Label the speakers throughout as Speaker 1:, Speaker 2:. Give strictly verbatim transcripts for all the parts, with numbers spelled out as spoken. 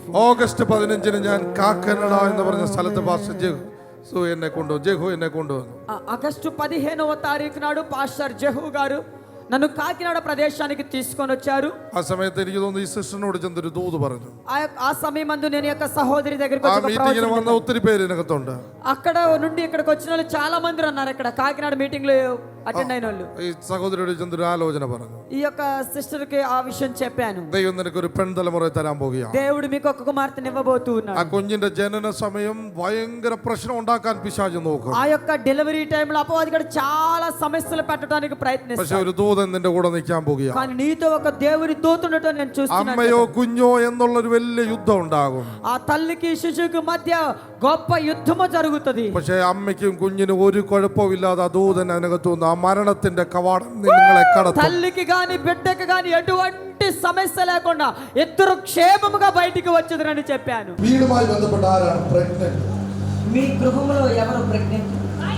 Speaker 1: August പതിനഞ്ചിന് ഞാൻ കാക്കനഡ എന്ന് പറഞ്ഞ സ്ഥലത്ത് പാസ്റ്റർ ജെഹു എന്നെ കൊണ്ടുവന്നു ജെഹു എന്നെ കൊണ്ടുവന്നു
Speaker 2: ఆగస్టు పదిహేనవ తారీఖు నాడు పాస్టర్ జెహు గారు నన్ను కాకినాడ ప్రదేశానికి తీసుకొని వచ్చారు.
Speaker 1: ఆ సమയത്ത് എനിക്ക് തോന്നുന്നു ఈ സിസ്റ്ററിനോട് ചെന്നൊരു ദൂത് പറഞ്ഞു.
Speaker 2: ఆ సమయమందు నేను యొక్క సహోదరి దగ్గరికి వచ్చి
Speaker 1: ఆ మీటింగిന് వന്ന ഒത്തിരി പേര് ഇതിനകത്തുണ്ട്.
Speaker 2: అక్కడ నుండి ఇక్కడికి వచ్చిన వాళ్ళు చాలా మంది ఉన్నారు. ఇక్కడ కాకినాడ మీటింగ్ లో అటెండ్ అయిన వాళ్ళు.
Speaker 1: ఈ సహోదరుడు ചെന്നൊരു ആലോചന പറഞ്ഞു.
Speaker 2: ఈ యొక్క సిస్టర్ కి ఆ విషయం చెప్పాను.
Speaker 1: ദൈവം നിനക്ക് ഒരു പെൺതലമുറ തരാൻ പോകുകയാണ്.
Speaker 2: దేవుడు మీకు ఒక కుమార్తెని ఇవ్వబోతున్నాడు.
Speaker 1: ఆ കുഞ്ഞിന്റെ ജനന സമയം ഭയങ്കര പ്രശ്നം ഉണ്ടാക്കാൻ പിശാച് നോക്കും.
Speaker 2: ఆ యొక్క డెలివరీ టైం లో అపవాది చాలా సమస్యలు పెట్టడానికి ప్రయత్నిస్తాడు.
Speaker 1: പക്ഷേ ഒരു ദൂതൻ നിന്റെ കൂടെ നിൽക്കാൻ പോകുകയാണ്.
Speaker 2: కానీ నీతో ఒక దేవుని దూత ఉండటం నేను చూస్తున్నాను.
Speaker 1: അമ്മയോ കുഞ്ഞോ എന്നുള്ള ഒരു വലിയ യുദ്ധം ഉണ്ടാകും.
Speaker 2: ఆ తల్లికి శిశువుకి మధ్య గొప్ప యుద్ధము జరుగుతుంది.
Speaker 1: പക്ഷേ അമ്മയ്ക്കും കുഞ്ഞിനും ഒരു കുഴപ്പമില്ലാതെ ആ ദൂതൻ അതിനകത്തുനിന്ന് ആ മരണത്തിന്റെ കവാടം നിങ്ങളെ കടത്തും.
Speaker 2: తల్లికి గాని బిడ్డకి గాని ఎటువంటి సమస్య లేకుండా ఇద్దరు క్షేమముగా బయటికి వచ్చేదని చెప్పాను.
Speaker 3: വീടുമായി ബന്ധപ്പെട്ട ആരാണ് പ്രഗ്നന്റ്?
Speaker 2: మీ గృహంలో ఎవరు ప్రెగ్నెంట్?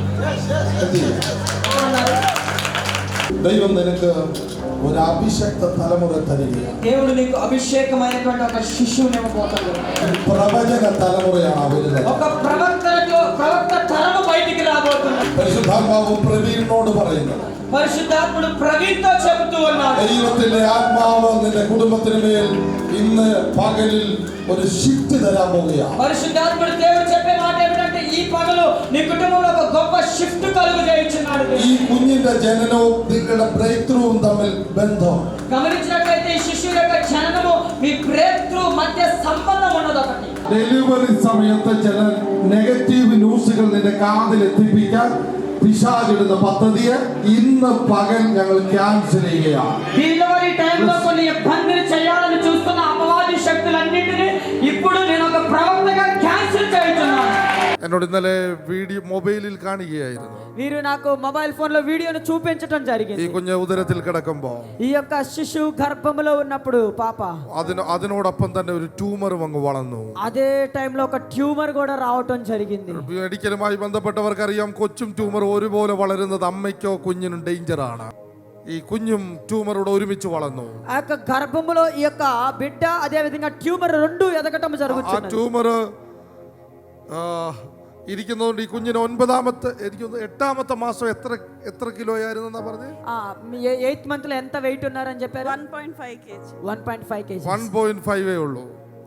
Speaker 3: ദൈവം നിനക്ക് ഒരു അഭിഷക്ത തലമുറ തരികയാണ്.
Speaker 2: దేవుడు నీకు అభిషేకమైనటువంటి ఒక శిశువుని ఇవ్వబోతున్నాడు.
Speaker 3: പ്രവചന തലമുറയാണ് വരുന്നത്.
Speaker 2: ఒక ప్రవక్తతో ప్రవక్త తరము బయటికి రాబోతున్నాడు.
Speaker 3: പരിശുദ്ധാത്മാവ് പ്രവീണിനോട് പറയുന്നത്,
Speaker 2: పరిశుద్ధాత్ముడు ప్రవీణ్తో చెబుతూ ఉన్నాడు,
Speaker 3: ദൈവത്തിന്റെ ആത്മാവ് നിന്റെ കുടുംബത്തിന് മേൽ ഇന്ന് പകലിൽ ഒരു ഷിഫ്റ്റ് തരാൻ പോവുകയാണ്.
Speaker 2: పరిశుద్ధాత్ముడు దేవుడు చెప్పే మాట ఏమిటంటే ఈ పగలు నీ కుటుంబంలో ఒక గొప్ప షిఫ్ట్ కలుగు చేయించున్నాడు.
Speaker 3: ഈ കുഞ്ഞിന്റെ ജനനവും നിങ്ങളുടെ ബ്രേക്ക് ത്രൂവും തമ്മിൽ ബന്ധം.
Speaker 2: గమనించినట్లయితే ఈ శిశువు యొక్క జననము మీ బ్రేక్ త్రూ మధ్య సంబంధం ఉన్నది. ఒకటి
Speaker 3: ഡെലിവറി സമയത്ത് ചില നെഗറ്റീവ് ന്യൂസുകൾ നിന്റെ കാതിൽ എത്തിപ്പിക്കാൻ പിശാചിടുന്ന പദ്ധതിയെ ഇന്ന് പകൽ ഞങ്ങൾ ക്യാൻസൽ ചെയ്യുകയാണ്.
Speaker 2: డెలివరీ టైంలో కొన్ని ఇబ్బందులు చేయాలని చూస్తున్న అపవాది శక్తులన్నింటినీ ఇప్పుడు నేను ఒక ప్రవక్తగా క్యాన్సిల్ చేస్తున్నాను.
Speaker 1: എന്നോട് ഇന്നലെ വീഡിയോ മൊബൈലിൽ കാണുകയായിരുന്നു.
Speaker 2: వీరు నాకు మొబైల్ ఫోన్ లో వీడియోను చూపించడం జరిగింది.
Speaker 1: ഈ കുഞ്ഞ് ഉദരത്തിൽ കിടക്കുമ്പോ
Speaker 2: ఈ యొక్క శిశువు గర్భంలో ఉన్నప్పుడు పాప
Speaker 1: അതിന് അതിനോടൊപ്പം തന്നെ ഒരു ട്യൂമറും അങ്ങ് വളർന്നു.
Speaker 2: అదే టైంలో ఒక ట్యూమర్ కూడా రావటం జరిగింది.
Speaker 1: മെഡിക്കലുമായി ബന്ധപ്പെട്ടവർക്കറിയാം, കൊച്ചും ട്യൂമർ ഒരുപോലെ വളരുന്നത് അമ്മയ്ക്കോ കുഞ്ഞിനും ഡേഞ്ചറാണ്. ഈ കുഞ്ഞും ട്യൂമറോട് ഒരുമിച്ച് വളർന്നു.
Speaker 2: ఆ యొక్క గర్భంలో ఈ యొక్క బిడ్డ అదే విధంగా ట్యూమర్ రెండు ఎదగటం
Speaker 1: ആ
Speaker 2: జరుగుతుంది.
Speaker 1: ട്യൂമർ ഇരിക്കുന്നതുകൊണ്ട് ഈ കുഞ്ഞിന് ഒൻപതാമത്തെ എനിക്ക് എട്ടാമത്തെ മാസം എത്ര എത്ര കിലോ ആയിരുന്നു എന്നാ പറഞ്ഞത്?
Speaker 2: ఎయిత్ మంత్ లో ఎంత వెయిట్ ఉన్నారని చెప్పారు?
Speaker 4: One point five KG.
Speaker 2: One point five KG.
Speaker 1: One point ഫൈവേ ഉള്ളൂ.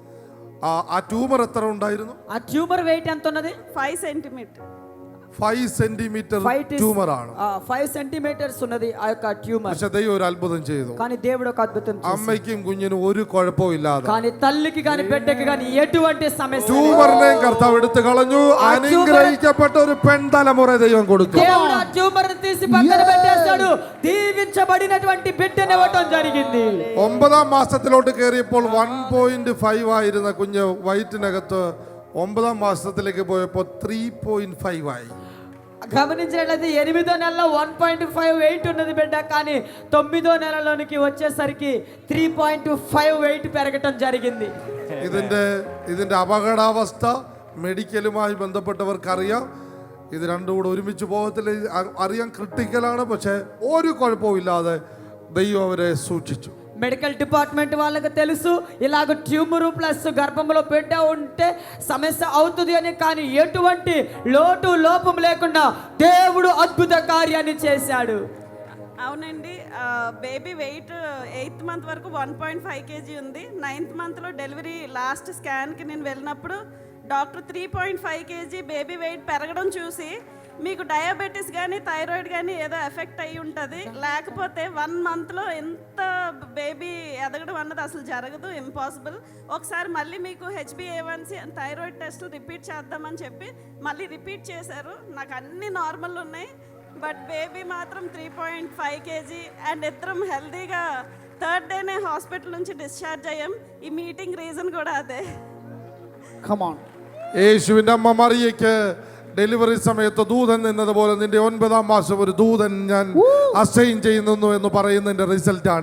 Speaker 1: ആ ട്യൂമർ എത്ര ഉണ്ടായിരുന്നു?
Speaker 2: ఆ ట్యూమర్ వెయిట్ ఎంత ఉన్నది?
Speaker 4: Five centimetre.
Speaker 1: Five centimetre tumour ആണ്.
Speaker 2: ఫైవ్ సెంటీమీటర్స్ ఉన్నది ఆ యొక్క ట్యూమర్.
Speaker 1: പക്ഷെ ദൈവം ഒരു അത്ഭുతం ചെയ്തു.
Speaker 2: కానీ దేవుడు ఒక అద్భుతం చేశాడు.
Speaker 1: അമ്മയ്ക്കും കുഞ്ഞിനും ഒരു കുഴപ്പവും ഇല്ലാതെ,
Speaker 2: కానీ తల్లికి కానీ బిడ్డకి కానీ ఎటువంటి సమస్య లేదు.
Speaker 1: ട്യൂമറിനെയും കർത്താവ് എടുത്തു കളഞ്ഞു. അനുഗ്രഹിക്കപ്പെട്ട ഒരു പെൺതലമുറ ദൈവം കൊടുത്തു.
Speaker 2: దేవుడు ఆ ట్యూమర్ ని తీసి పక్కన పెట్టేశాడు. దీవించబడినటువంటి బిడ్డని ఇవ్వటం జరిగింది.
Speaker 1: ഒമ്പതാം മാസത്തിലോട്ട് കയറിയപ്പോൾ വൺ പോയിന്റ് ഫൈവ് ആയിരുന്ന കുഞ്ഞ് വയറ്റിനകത്ത് ഒമ്പതാം മാസത്തിലേക്ക് പോയപ്പോൾ ത്രീ പോയിന്റ് ഫൈവ് ആയി.
Speaker 2: గమనించినట్లయితే ఎనిమిదో నెలలో వన్ పాయింట్ ఫైవ్ వెయిట్ ఉన్నది బిడ్డ, కానీ తొమ్మిదో నెలలోనికి వచ్చేసరికి త్రీ పాయింట్ ఫైవ్ వెయిట్ పెరగటం జరిగింది.
Speaker 1: ഇതിന്റെ ഇതിന്റെ അപകടാവസ്ഥ മെഡിക്കലുമായി ബന്ധപ്പെട്ടവർക്കറിയാം. ഇത് രണ്ടും കൂടെ ഒരുമിച്ച് പോകത്തില്ല, അറിയാൻ ക്രിട്ടിക്കലാണ്. പക്ഷെ ഒരു കുഴപ്പവും ഇല്ലാതെ ദൈവം അവരെ സൂക്ഷിച്ചു.
Speaker 2: మెడికల్ డిపార్ట్మెంట్ వాళ్ళకి తెలుసు ఇలాగ ట్యూమర్ ప్లస్ గర్భంలో బిడ్డ ఉంటే సమస్య అవుతుంది అని, కానీ ఎటువంటి లోటు లోపం లేకుండా దేవుడు అద్భుత కార్యాన్ని చేశాడు.
Speaker 4: అవునండి, బేబీ వెయిట్ ఎయిత్ మంత్ వరకు వన్ పాయింట్ ఫైవ్ కేజీ ఉంది. నైన్త్ మంత్లో డెలివరీ లాస్ట్ స్కాన్కి నేను వెళ్ళినప్పుడు doctor three point five KG baby weight పెరగడం చూసి, మీకు డయాబెటీస్ కానీ థైరాయిడ్ కానీ ఏదో ఎఫెక్ట్ అయ్యి ఉంటుంది, లేకపోతే వన్ మంత్లో ఎంత బేబీ ఎదగడం అన్నది అసలు జరగదు, ఇంపాసిబుల్. ఒకసారి మళ్ళీ మీకు హెచ్బిఏవన్సీ థైరాయిడ్ టెస్టులు రిపీట్ చేద్దామని చెప్పి మళ్ళీ రిపీట్ చేశారు. నాకు అన్ని నార్మల్ ఉన్నాయి, బట్ బేబీ మాత్రం three point five KG and ఇద్దరం హెల్తీగా థర్డ్ డేనే హాస్పిటల్ నుంచి డిశ్చార్జ్ అయ్యాం. ఈ మీటింగ్ రీజన్ కూడా అదే.
Speaker 2: కమాన్.
Speaker 1: യേശുവിന്റെ അമ്മ മറിയയ്ക്ക് ഡെലിവറി സമയത്ത് ദൂതൻ എന്നതുപോലെ നിന്റെ ഒൻപതാം മാസം ഒരു ദൂതൻ ഞാൻ അസൈൻ ചെയ്യുന്നു എന്ന് പറയുന്നതിന്റെ റിസൾട്ടാണ്.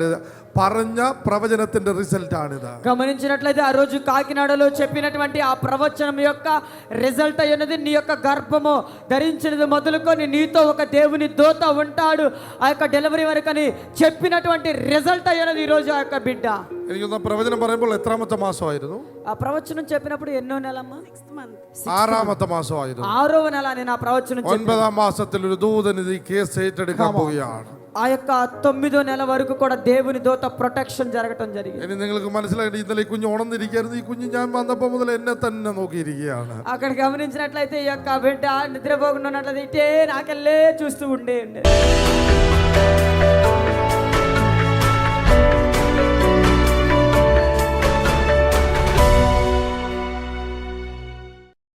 Speaker 1: പറഞ്ഞ പ്രവചനത്തിന്റെ റിസൾട്ട് ആണിത്.
Speaker 2: గమనించినట్లయితే ఆ రోజు కాకినాడలో చెప్పినటువంటి ఆ ప్రవచనం యొక్క రిజల్ట్ అయినది నీ యొక్క గర్భము ధరించినది మొదలుకొని నీతో ఒక దేవుని దూత ఉంటాడు ఆ యొక్క డెలివరీ వరకు అని చెప్పినటువంటి రిజల్ట్ అయినది ఈ రోజు ఆ యొక్క బిడ్డ.
Speaker 1: എനിക്കൊന്ന് പ്രവചനം പറയുമ്പോൾ എത്രാമത്തെ മാസമായിരുന്നു?
Speaker 2: ఆ ప్రవచనం చెప్పినప్పుడు ఎన్నో నెలమ్మా?
Speaker 4: Sixth month.
Speaker 1: ആറാമത്തെ മാസമായിരുന്നു.
Speaker 2: ఆరవ నెల నేను ఆ ప్రవచనం చెప్పాను.
Speaker 1: ഒൻപതാം മാസത്തിൽ ഒരു ദൂതൻ ഇത് ഈ കേസ് ഏറ്റെടുക്കാൻ പോവുകയാണ്.
Speaker 2: ఆ యొక్క తొమ్మిదో నెల వరకు కూడా దేవుని దూత ప్రొటెక్షన్ జరగటం జరిగింది.
Speaker 1: ഇനി നിങ്ങൾക്ക് മനസ്സിലായിട്ട് ഇന്നലെ ഈ കുഞ്ഞ് ഉണർന്നിരിക്കരുത്. ഈ കുഞ്ഞ് ഞാൻ വന്നപ്പോൾ മുതൽ എന്നെ തന്നെ നോക്കിയിരിക്കുകയാണ്.
Speaker 2: అక్కడ గమనించినట్లయితే ఈ యొక్క బిడ్డ నిద్రపోకుండా ఉన్నట్లయితే ఇటే నాకెళ్ళే చూస్తూ ఉండే ఉండే